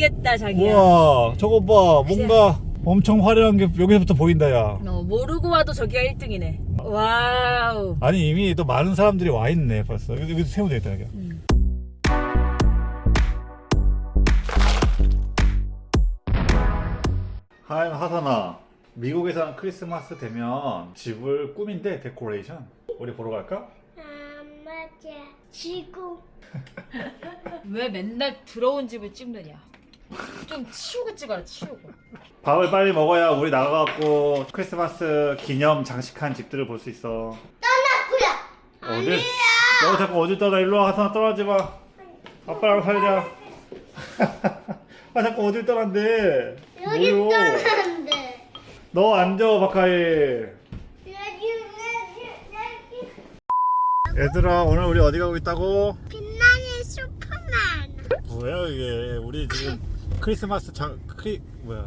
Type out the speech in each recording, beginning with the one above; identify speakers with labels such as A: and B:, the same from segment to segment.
A: 알겠다 자기야.
B: 우와 저거 봐 뭔가 엄청 화려한 게 여기서부터 보인다 야.
A: 모르고 와도 저기가 1등이네. 와우.
B: 아니 이미 또 많은 사람들이 와 있네 벌써. 여기서 세우면 되겠다 여기. 하이 하산아, 미국에서는 크리스마스 되면 집을 꾸민대. 데코레이션. 우리 보러 갈까?
C: 맞아. 지구.
A: 왜 맨날 들어온 집을 찍느냐? 좀 치우고 찍어라 치우고.
B: 밥을 빨리 먹어야 우리 나가갖고 크리스마스 기념 장식한 집들을 볼 수 있어.
C: 떠났구요.
B: 어딜? 너 자꾸 어딜 떠나. 일로 와. 하산아 떨어지지 마. 아빠랑 살자. 아 자꾸 어딜 떠난대.
C: 여기
B: 뭐요?
C: 떠났는데.
B: 너 앉아 박하일. 얘들아 오늘 우리 어디 가고 있다고?
C: 빛나는 슈퍼맨.
B: 뭐야 이게. 우리 지금 크리스마스 뭐야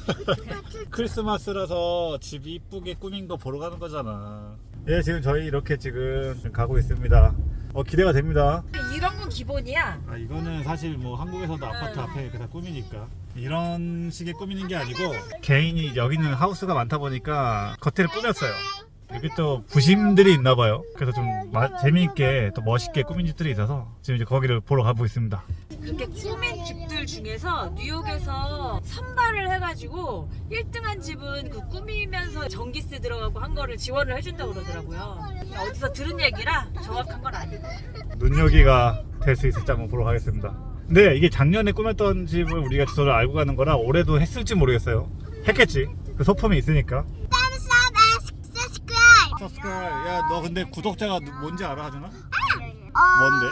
B: 크리스마스라서 집 이쁘게 꾸민 거 보러 가는 거잖아. 예 지금 저희 이렇게 지금 가고 있습니다. 기대가 됩니다.
A: 이런 건 기본이야.
B: 아 이거는 사실 뭐 한국에서도 아파트 앞에 이렇게 다 꾸미니까 이런 식의 꾸미는 게 아니고 개인이 여기는 하우스가 많다 보니까 겉에를 꾸몄어요. 여기 또 부심들이 있나 봐요. 그래서 좀 재미있게 또 멋있게 꾸민 집들이 있어서 지금 이제 거기를 보러 가고 있습니다.
A: 이렇게 꾸민 집들 중에서 뉴욕에서 선발을 해가지고 1등한 집은 그 꾸미면서 전기세 들어가고 한 거를 지원을 해준다고 그러더라고요. 어디서 들은 얘기라 정확한 건 아니고.
B: 눈여기가 될 수 있을지 한번 보러 가겠습니다. 근데 이게 작년에 꾸몄던 집을 우리가 주소를 알고 가는 거라 올해도 했을지 모르겠어요. 했겠지. 그 소품이 있으니까. 야 너 근데 구독자가 뭔지 알아 하준아? 뭔데?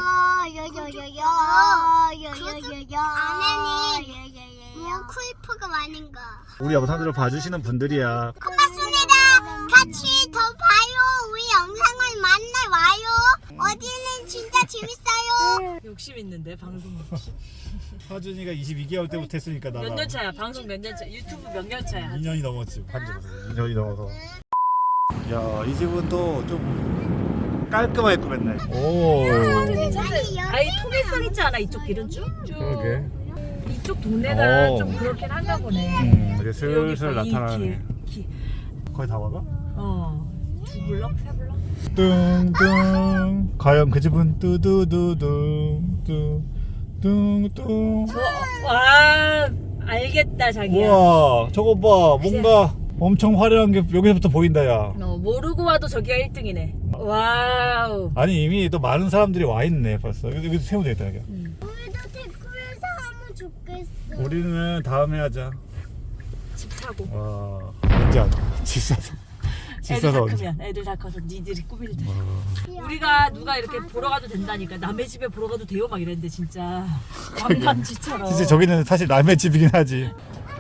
C: 뭐 쿠이프가 많은 거.
B: 우리 영상들을 봐주시는 분들이야.
C: 고맙습니다. 같이 더 봐요. 우리 영상을 만나 와요. 어디는 진짜 재밌어요.
A: 욕심 있는데 방송 욕심.
B: 하준이가 22개월 때부터 했으니까 나가
A: 몇 년 차야? 방송 몇 년 차? 유튜브 몇 년 차야?
B: 2년이 넘었지. 한지로서 2년이 넘어서. 야 이 집은 또 좀 깔끔하게 꾸몄네. 오.
A: 아니 통일성 있지 않아? 이쪽 길은 쭉?
B: 그러게.
A: 이쪽 동네가
B: 오.
A: 좀 그렇긴 한가 보네.
B: 이제 슬슬
A: 여기 이
B: 나타나네.
A: 길.
B: 거의 다 와가?
A: 두 블럭? 세 블럭?
B: 뚱뚱. 과연 그 집은 뚜두두둥 뚱뚱뚱.
A: 와 알겠다 자기야.
B: 우와 저거 봐 뭔가 엄청 화려한 게 여기서부터 보인다 야.
A: 모르고 와도 저기가 1등이네. 와우.
B: 아니 이미 또 많은 사람들이 와 있네 벌써. 여기서 세우면 되겠다 여기.
C: 우리도 댓글에서 하면 좋겠어.
B: 우리는 다음에 하자.
A: 집 사고.
B: 와 언제 하자. 집 사서. 집
A: 애들 다
B: 사서 언제.
A: 크면 애들 다 커서 니들이 꾸밀 때. 우리가 누가 이렇게 보러 가도 된다니까. 남의 집에 보러 가도 돼요 막 이랬는데 진짜 관광지처럼.
B: 진짜 저기는 사실 남의 집이긴 하지.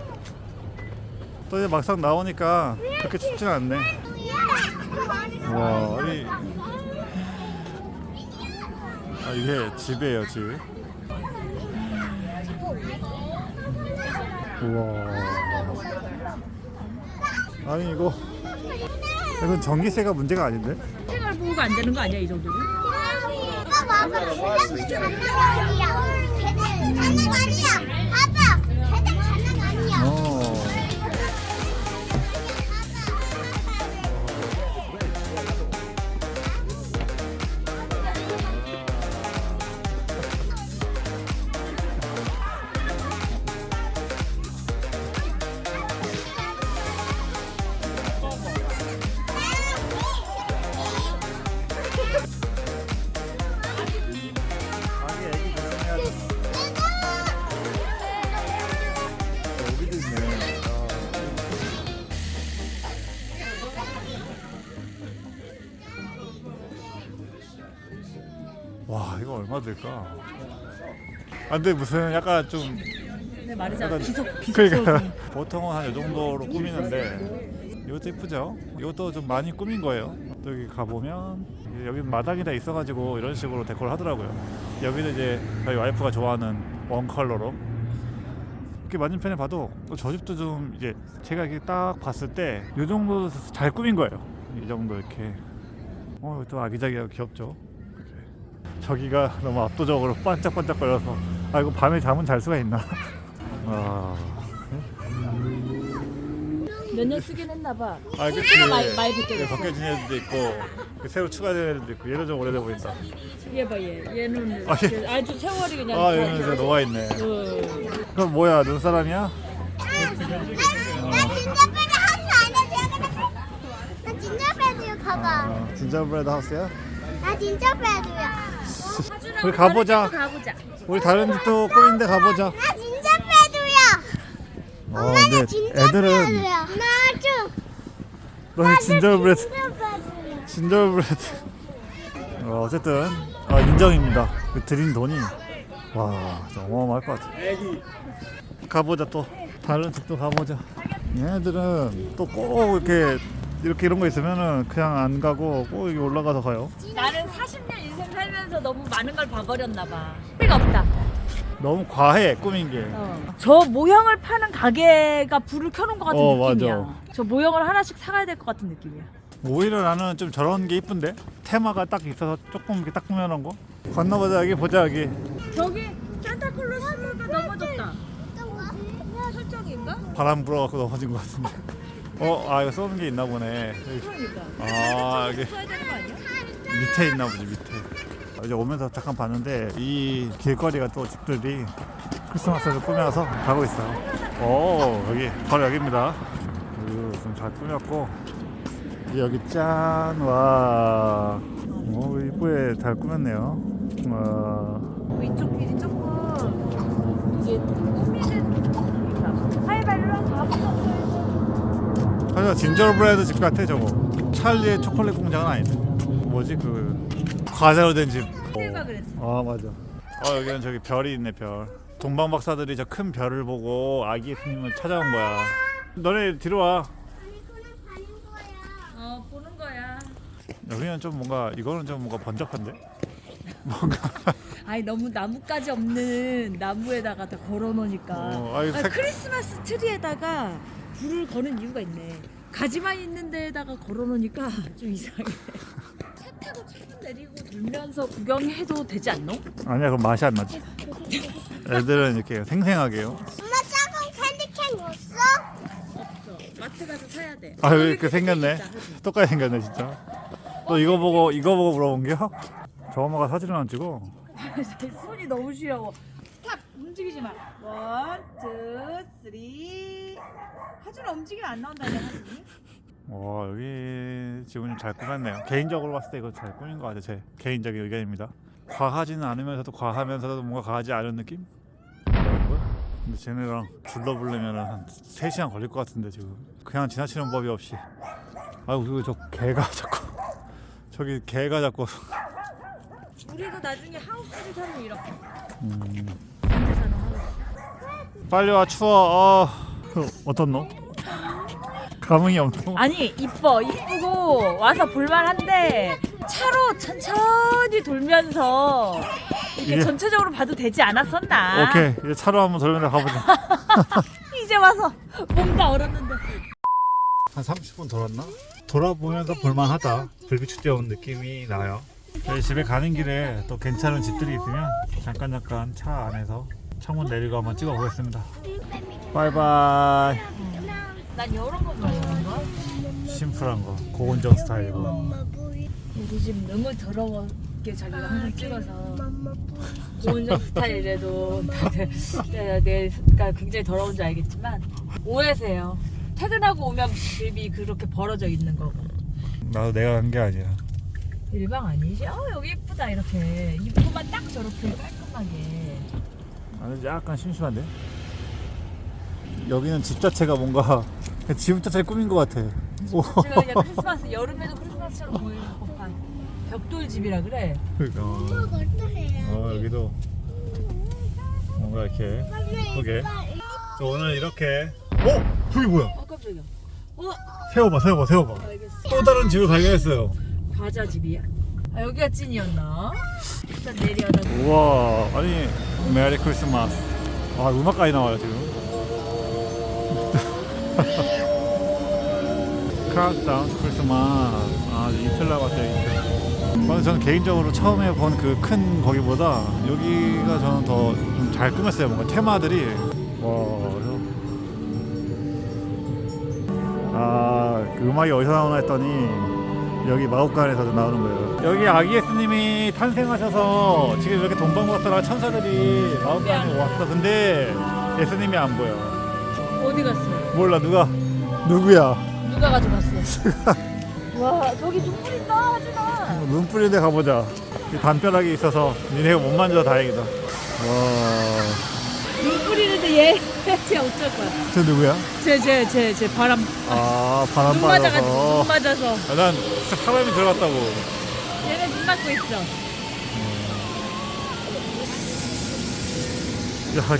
B: 또 이제 막상 나오니까 그렇게 춥진 않네. 와, 이게 집이에요, 집. 우와. 아니 이건 전기세가 문제가 아닌데?
A: 생활 보호가 안 되는 거 아니야 이 정도면?
C: 이거 봐봐. 그냥 장난 아니야. 장난 아니야. 봐봐. 걔들 장난 아니야.
B: 여기도 있네. 와 이거 얼마 들까? 아 근데 무슨 약간 좀
A: 내 말이잖아.
B: 약간
A: 비속
B: 그러니까 보통은 한 이 정도로 꾸미는데 이것도 예쁘죠? 이것도 좀 많이 꾸민 거예요. 또 여기 가보면 여기 마당이 다 있어가지고 이런 식으로 데코를 하더라고요. 여기는 이제 저희 와이프가 좋아하는 원 컬러로 이렇게 맞은편에 봐도 저 집도 좀 이제 제가 이렇게 딱 봤을 때 이 정도 잘 꾸민 거예요. 이 정도 이렇게 또 아기자기하고 귀엽죠. 저기가 너무 압도적으로 반짝반짝거려서 아 이거 밤에 잠은 잘 수가 있나. 아,
A: 몇 년 쓰긴 했나 봐.
B: 아 그치.
A: 많이 벗겨졌어.
B: 벗겨진 애들도 있고 새로 추가된 애들도 있고 얘도 좀 오래돼 보인다.
A: 얘 봐 얘. 얘는
B: 아, 얘-
A: 아주 세월이 그냥.
B: 아 얘는 진짜 녹아 있네. 그럼 뭐야 눈사람이야?
C: 나 진저브레드야 봐봐.
B: 진저브레드 하우스야?
C: 나 진저브레드야.
B: 우리 가보자.
A: 가보자.
B: 우리 다른 집도 꾸민데 가보자.
C: 나 진저브레드야.
B: 근데 애들은
C: 나도.
B: 너희 진저브레드
C: 진저브레드야.
B: 진저브레드 어쨌든 인정입니다. 그 들인 돈이 와 진짜 어마어마할 것 같아. 가보자 또 다른 집도 가보자. 얘네들은 또 꼭 이렇게 이런 거 있으면은 그냥 안 가고 꼭 여기 올라가서 가요.
A: 나는 40년 인생 살면서 너무 많은 걸 봐버렸나 봐. 소리가 없다.
B: 너무 과해 꾸민 게.
A: 저 모형을 파는 가게가 불을 켜놓은 것 같은 느낌이야.
B: 맞아.
A: 저 모형을 하나씩 사가야 될 것 같은 느낌이야.
B: 오히려 나는 좀 저런 게 이쁜데 테마가 딱 있어서 조금 이렇게 딱 꾸며놓은 거. 건너보자 여기 보자 여기.
A: 저기 산타클로스가 넘어졌다. 설정인가?
B: 바람 불어갖고 넘어진 것 같은데. 이거 쏘는 게 있나 보네.
A: 그러니까.
B: 여기
A: 써야 되는 거 아니야?
B: 밑에 있나 보지 밑에. 이제 오면서 잠깐 봤는데 이 길거리가 또 집들이 크리스마스를 꾸며서 가고 있어요. 여기 바로 여기입니다. 좀 잘 꾸몄고 여기 짠. 와 이쁘게 잘 꾸몄네요. 와
A: 이쪽 길이 조금 이게 꾸미는 하이발로 가보자.
B: 하지만 진저브레드 집 같아 저거. 찰리의 초콜릿 공장은 아닌데. 뭐지 과자로 된 집.
A: 내가 그랬어.
B: 맞아. 여기는 저기 별이 있네 별. 동방 박사들이 저 큰 별을 보고 아기 예수님을 찾아온 거야. 너네 뒤로 와.
A: 보는 거야.
B: 여기는 좀 이거는 좀 뭔가 번잡한데? 뭔가
A: 아니 너무 나뭇가지 없는 나무에다가 다 걸어놓으니까. 크리스마스 트리에다가 불을 거는 이유가 있네. 가지만 있는 데에다가 걸어놓으니까 좀 이상해. 차 타고 차도 내리고 돌면서 구경해도 되지 않노?
B: 아니야 그럼 맛이 안 나지. 애들은 이렇게 생생하게요.
C: 엄마 작은 캔디캔 없어?
A: 없어. 마트 가서 사야 돼.
B: 왜 이렇게 생겼네. 똑같이 생겼네 진짜. 너 이거 보고 물어본 게요? 저 엄마가 사진을 안 찍어.
A: 손이 너무 시려워. 스탑! 움직이지 마. 원, 투, 쓰리. 하준아 움직이면 안 나온다, 하준이.
B: 여기 지금 잘 꾸몄네요. 개인적으로 봤을 때 이거 잘 꾸민 것 같아요. 제 개인적인 의견입니다. 과하지는 않으면서도 과하면서도 뭔가 과하지 않은 느낌? 근데 쟤네랑 둘러보려면 한 3시간 걸릴 것 같은데 지금 그냥 지나치는 법이 없이. 그리고 저 개가 자꾸 저기 개가 자꾸.
A: 우리도 나중에 하우스를 사면 이렇게.
B: 빨리 와 추워. 어떻노? 감흥이 없노?
A: 아니 이쁘고 와서 볼만한데 차로 천천히 돌면서 이렇게
B: 예.
A: 전체적으로 봐도 되지 않았었나?
B: 오케이 이제 차로 한번 돌면서 가보자.
A: 이제 와서 몸 다 얼었는데.
B: 한 30분 돌았나? 돌아보면서 볼만하다. 불빛축제 온 느낌이 나요. 저희 집에 가는 길에 또 괜찮은 집들이 있으면 잠깐 차 안에서 창문 내리고 한번 찍어보겠습니다. 바이바이.
A: 난 이런 거 좋아해. 이런 거.
B: 심플한 거 고온정 스타일이고.
A: 우리 집 너무 더러웠게 자기가 항상 찍어서 고온정 스타일이라도 다들 내가 굉장히 더러운 줄 알겠지만 오해세요. 퇴근하고 오면 집이 그렇게 벌어져 있는 거고.
B: 나도 내가 간 게 아니야.
A: 일방 아니지? 여기 예쁘다 이렇게 입구만 딱 저렇게 깔끔하게.
B: 나는 약간 심심한데? 여기는 집 자체가 뭔가 집 자체를 꾸민 것 같아.
A: 제가 그냥 크리스마스 여름에도 크리스마스처럼 보이는 법한 벽돌 집이라 그래.
B: 그러니까. 여기도 뭔가 이렇게 예쁘게. 오늘 이렇게. 저기 뭐야?
A: 깜짝이야.
B: 세워봐.
A: 알겠어.
B: 또 다른 집을 발견했어요.
A: 과자 집이야? 여기가 찐이었나? 일단 내려다.
B: 우와, 아니 메리 크리스마스. 음악까지 나와요 지금. 카운트다운 크리스마스. 이틀 남았어요 이틀. 저는 개인적으로 처음에 본 그 큰 거기보다 여기가 저는 더 좀 잘 꾸몄어요. 뭔가 테마들이 그 음악이 어디서 나오나 했더니 여기 마법관에서 나오는 거예요. 여기 아기 예수님이 탄생하셔서 지금 이렇게 동방박사랑 천사들이 마법관에 왔어. 근데 예수님이 안 보여.
A: 어디 갔어?
B: 몰라. 누구야?
A: 누가 가져갔어? 와 저기 눈물 있다 하진아.
B: 눈 뿌리는데 가보자. 담벼락이 있어서 니네가 못 만져서 다행이다. 와,
A: 눈 뿌리는데 쟤 어쩔 거야?
B: 저 누구야?
A: 쟤 바람.
B: 바람
A: 눈 맞아가지고
B: 빠져서.
A: 눈 맞아서.
B: 난 사람이 들어갔다고.
A: 얘네 눈 맞고 있어.
B: 야,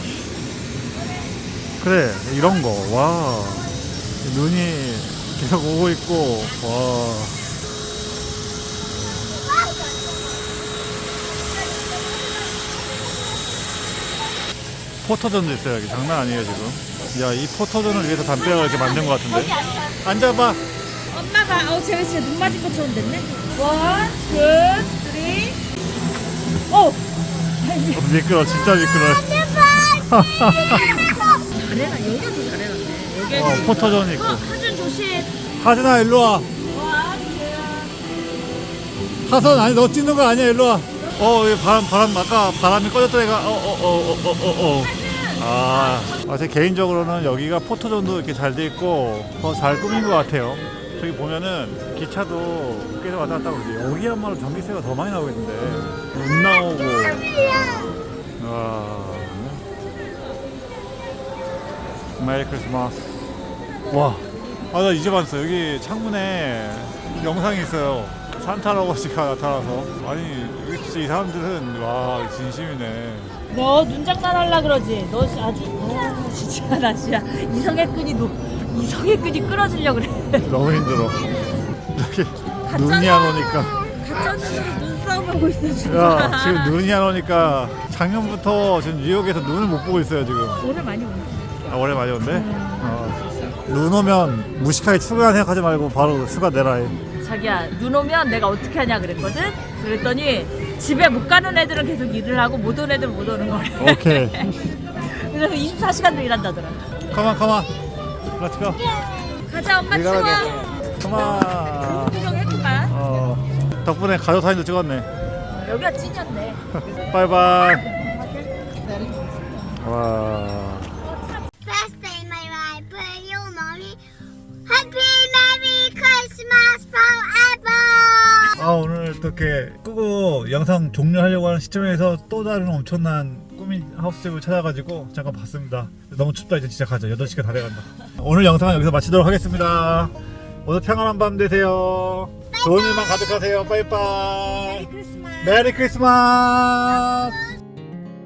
B: 그래 이런 거. 와, 눈이 계속 오고 있고. 와. 포토존도 있어요. 여기 장난 아니에요 지금. 야, 이 포토존을 위해서 담벼락을 이렇게 만든 것 같은데. 앉아봐.
A: 엄마가 쟤 진짜 눈 맞은 것처럼 됐네. 원, 투, 쓰리. 오.
B: 미끄러, 진짜 미끄러.
A: 잘해라. 여기가 더 잘해놨네. 여기.
B: 포토존 있고.
A: 하준 조심.
B: 하진아 일로 와.
A: 와,
B: 하선 아니 너 찍는 거 아니야. 일로 와. 여기 바람 아까 바람이 꺼졌던 애가 제 개인적으로는 여기가 포토존도 이렇게 잘 돼 있고 더 잘 꾸민 것 같아요. 저기 보면은 기차도 계속 왔다 갔다 그러지. 여기야말로 전기세가 더 많이 나오고 있는데 눈 나오고. 메리 크리스마스. 와, 나 이제 봤어. 여기 창문에 영상이 있어요. 산타 할아버지가 나타나서. 아니 여기 진짜 이 사람들은 와 진심이네.
A: 너 눈장난 하려 그러지? 너 아주 진짜 나 진짜 이성의 끈이 끊어지려 그래.
B: 너무 힘들어. 이렇게 눈이 안 오니까.
A: 가짜 눈으로 눈싸움 하고 있어 지금.
B: 야, 지금 눈이 안 오니까 작년부터 지금 뉴욕에서 눈을 못 보고 있어요 지금.
A: 오늘 많이 오네.
B: 올해 많이 온대? 눈 오면 무식하게 출근 생각하지 말고 바로 휴가 내라 해.
A: 자기야 눈 오면 내가 어떻게 하냐 그랬거든? 그랬더니 집에 못 가는 애들은 계속 일을 하고 못 오는 애들은 못 오는 거래.
B: 오케이.
A: 그래서 24시간도 일한다더라.
B: 컴온. Let's go.
A: 가자 엄마
B: We
A: 추워.
B: gotta go. 컴온.
A: 구경했구만.
B: 덕분에 가족 사진도 찍었네.
A: 여기가 찐이었네.
B: 바이바이. 와.
C: Best day in my life, but you know me. Happy Merry Christmas forever.
B: 오늘 이렇게 끄고 영상 종료하려고 하는 시점에서 또 다른 엄청난 꾸민 하우스집을 찾아가지고 잠깐 봤습니다. 너무 춥다. 이제 진짜 가자. 8시간 다 돼간다. 오늘 영상은 여기서 마치도록 하겠습니다. 오늘 평안한 밤 되세요. 좋은 일만 가득하세요. 빠이빠이.
A: 크리스마스.
B: 메리 크리스마스.